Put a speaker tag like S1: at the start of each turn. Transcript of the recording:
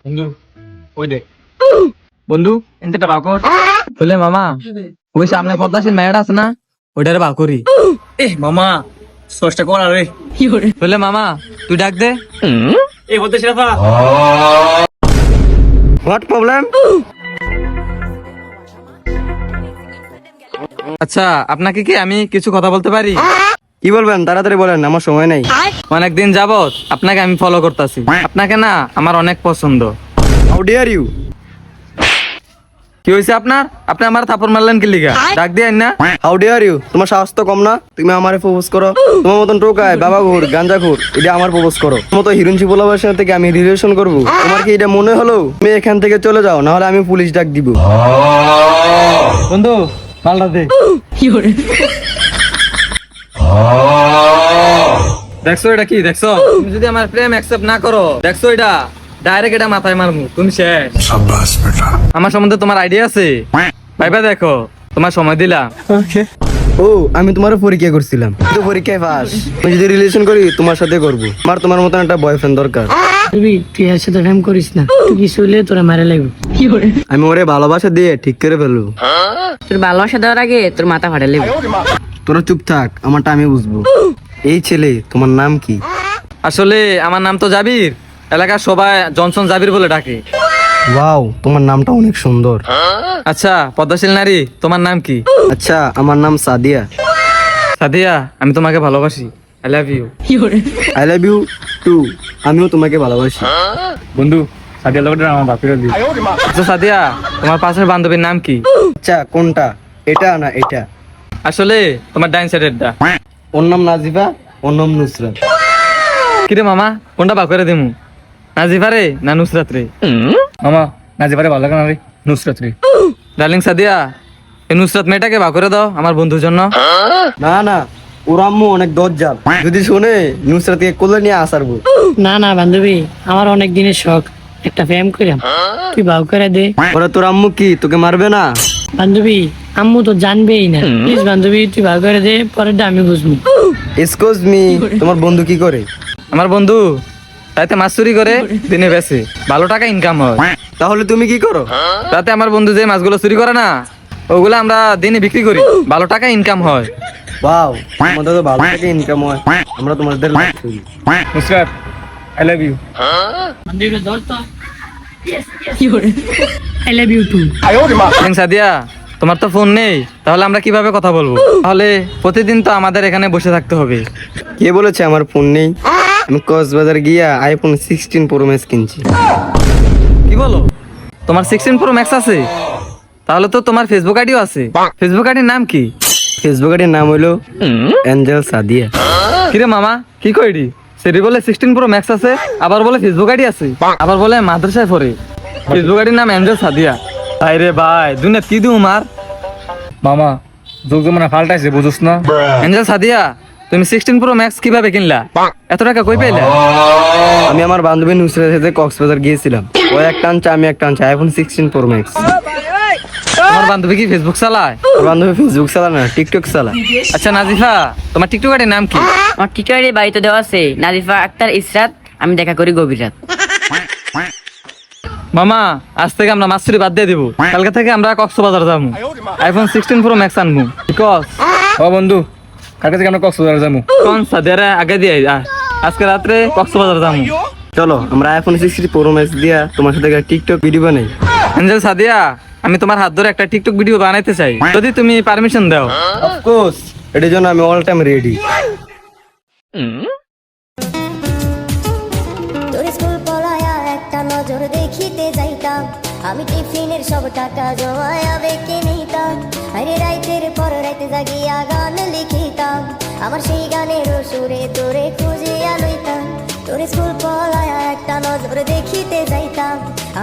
S1: বন্ধু ওই দেখ বন্ধু এনতে বাকর
S2: বলে মামা ওই সামনে পদ্মাশীল মেয়েটা আছে না ওইটারে বা করি।
S1: এ মামা সস্তা কর রে
S2: বলে মামা তুই ডাক দে।
S1: এ বলতে শিরাফা
S3: হোয়াট প্রবলেম?
S2: আচ্ছা আপনাকে কি আমি কিছু কথা বলতে পারি?
S3: কি বলবেন তাড়াতাড়ি বলেন, আমার সময় নেই।
S2: অনেকদিন যাবত আপনাকে আমি ফলো করতেছি, আপনাকে না আমার অনেক পছন্দ।
S3: How dare you?
S2: কি হয়েছে আপনার? আপনি আমার থাপড় মারলেন কি লিগা? ডাক দিয়ে না।
S3: How dare you? তোমার সাহস তো কম না, তুমি আমারে প্রপোজ করো? তোমার মতন টোকায় বাবা ঘুর গাঞ্জা ঘুর এটা আমার প্রপোজ করো? তোমার মতো হিরুঞ্চি পোলাবার সাথে থেকে আমি রিলেশন করবো? তোমার কি এটা মনে হলো? তুমি এখান থেকে চলে যাও, না হলে আমি পুলিশ ডাক দিব।
S2: বন্ধু মালটা দে। দেখছো এটা কি দেখছো? তুমি যদি আমার প্রেম অ্যাকসেপ্ট না করো, দেখছো এটা ডাইরেক্ট এটা মাথায় মারমু, তুমি শেষ। আমার সম্বন্ধে তোমার আইডিয়া আছে? ভাইবা দেখো, তোমার সময় দিলাম।
S3: ও আমি তোমার পরীক্ষা করছিলাম, কিন্তু পরীক্ষায় পাস। আমি যদি রিলেশন করি তোমার সাথে করবো। আমার তোমার মতন একটা বয়ফ্রেন্ড দরকার।
S4: তুই এর সাথে প্রেম করিস না, তুই কিছু হলে তোরা মারা লাগবে।
S3: আমি ওরে ভালোবাসা দিয়ে ঠিক করে ফেলবো।
S4: তোর ভালোবাসা দেওয়ার আগে তোর মাথা ফাটা লাগবে।
S3: তোরা চুপ থাক, আমারটা আমি বুঝবো। এই ছেলে তোমার নাম কি?
S2: আসলে আমার নাম তো জাবির, এলাকার সবাই জনসন জাবির বলে ডাকে।
S3: ওয়াও, তোমার নামটা অনেক সুন্দর।
S2: আচ্ছা পদ্মাশীল নারী, তোমার নাম কি?
S3: আচ্ছা, আমার নাম সাদিয়া।
S2: সাদিয়া, আমি তোমাকে ভালোবাসি, I love you.
S3: I love you too. আমিও তোমাকে ভালোবাসি।
S1: বন্ধু সাদিয়া লগটা আমার বাপের দি
S2: আচ্ছা সাদিয়া, তোমার পাশের বান্ধবীর নাম কি?
S3: আচ্ছা, কোনটা, এটা না এটা?
S2: আসলে তোমার ডাইন সাইডেরটা।
S3: ওর নাম নাজিফা, ওর নাম নুসরাত।
S2: কিরে মামা, কোনটা বা করে দিমু? নাজিফা রে না নুসরাত রে?
S1: মামা নাজে পারে ভালো লাগে না রে নুসরাত রে
S2: ডার্লিং সাদিয়া, এই নুসরাত মেয়েটাকে বা করে দাও আমার বন্ধুর জন্য।
S3: না না, ওর আম্মু অনেক দজ্জাল, যদি শুনে নুসরাতকে কোলে নিয়ে আসারবো।
S4: না না বান্ধবী, আমার অনেক দিনের শখ একটা প্রেম করিলাম, তুই ভাও করে দে।
S3: ওরা তোর আম্মু কি তোকে মারবে না?
S4: বান্ধবী আম্মু তো জানবেই না, প্লিজ বান্ধবী তুই ভাও করে দে, পরেরটা আমি বুঝবো।
S3: এক্সকিউজ মি, তোমার বন্ধু কি করে?
S2: আমার বন্ধু রাতে মাছ চুরি করে দিনে বেচে, ভালো টাকা ইনকাম হয়।
S3: তাহলে তুমি কি করো?
S2: রাতে আমার বন্ধু যে মাছগুলো চুরি করে না, ওগুলো আমরা দিনে বিক্রি করি, ভালো টাকা ইনকাম হয়।
S3: ওয়াও, তোমাদের তো ভালো থেকে ইনকাম হয়, আমরা তোমাদের লাভ করি।
S1: নুসরাত আই লাভ ইউ
S4: বান্ধবীটা ধর তো। I love you too.
S2: Darling Sadia, তোমার তো ফোন নেই, তাহলে আমরা কিভাবে কথা বলবো? তাহলে প্রতিদিন তো আমাদের এখানে বসে থাকতে হবে।
S3: কে বলেছে আমার ফোন নেই? আমি কক্সবাজার গিয়া আইফোন 16 প্রো ম্যাক্স কিনছি।
S2: কি বলো, তোমার 16 প্রো ম্যাক্স আছে? তাহলে তো তোমার ফেসবুক আইডিও আছে। ফেসবুক আইডির নাম কি?
S3: ফেসবুক আইডির নাম হলো অ্যাঞ্জেল সাদিয়া।
S2: কিরে মামা, কি কইডি? সেটি বলে 16 প্রো ম্যাক্স আছে, আবার বলে ফেসবুক আইডি আছে, আবার বলে মাদ্রাসায় পড়ে। ফেসবুক আইডির নাম অ্যাঞ্জেল সাদিয়া। ভাই রে ভাই, দুনিয়া কি দিও মার।
S1: মামা যোগ জমানা ফাল্টাইছে বুঝছ না
S2: অ্যাঞ্জেল সাদিয়া, তুমি 16 প্রো ম্যাক্স কিভাবে কিনলা? এত টাকা কই পাইলা?
S3: আমি আমার বান্ধবী নুসরাতের সাথে কক্সবাজার গিয়েছিলাম, ও একটা আনছে আমি একটা আনছে আইফোন 16 প্রো ম্যাক্স।
S2: তোমার বান্ধবী কি ফেসবুক চালায়?
S3: আমার বান্ধবী ফেসবুক চালা না, টিকটক চালা।
S2: আচ্ছা নাজিফা, তোমার টিকটক আইডির নাম কি?
S5: আমার টিচারের বাড়িতে দেওয়া আছে নাজিফা আক্তার ইসরাত, আমি দেখা করি গভীর রাত।
S2: মামা আজ থেকে আমরা মাছ চুরি বাদ দিয়ে দিব, কালকে থেকে আমরা কক্সবাজার যাবো, আইফোন 16 প্রো ম্যাক্স আনবো। বিকজ
S1: ও বন্ধু কালকে থেকে আমরা কক্সবাজার যাবো
S2: কোন সাদিয়ারে আগে দিয়ে আজকে রাত্রে কক্সবাজার যাবো।
S3: চলো আমরা আইফোন 16 প্রো ম্যাক্স দিয়া তোমার সাথে একটা টিকটক ভিডিও বানাই।
S2: অ্যাঞ্জেল সাদিয়া, আমি তোমার হাত ধরে একটা টিকটক ভিডিও বানাইতে চাই, যদি তুমি পারমিশন দাও।
S3: অফকোর্স, এটার জন্য আমি অল টাইম রেডি।
S6: তোর স্কুল পড়ায়া একটা নজর দেখিতে যাইতাম, আমি টিফিনের সব টাকা জমায়া বেঁকে নিতাম, আরে রাইতের পর রাইতে জাগিয়া গান লিখিতাম, আমার সেই গানের সুরে তোরে খুঁজিয়া লইতাম। তোর স্কুল পড়ায়া একটা নজর দেখিতে যাইতাম,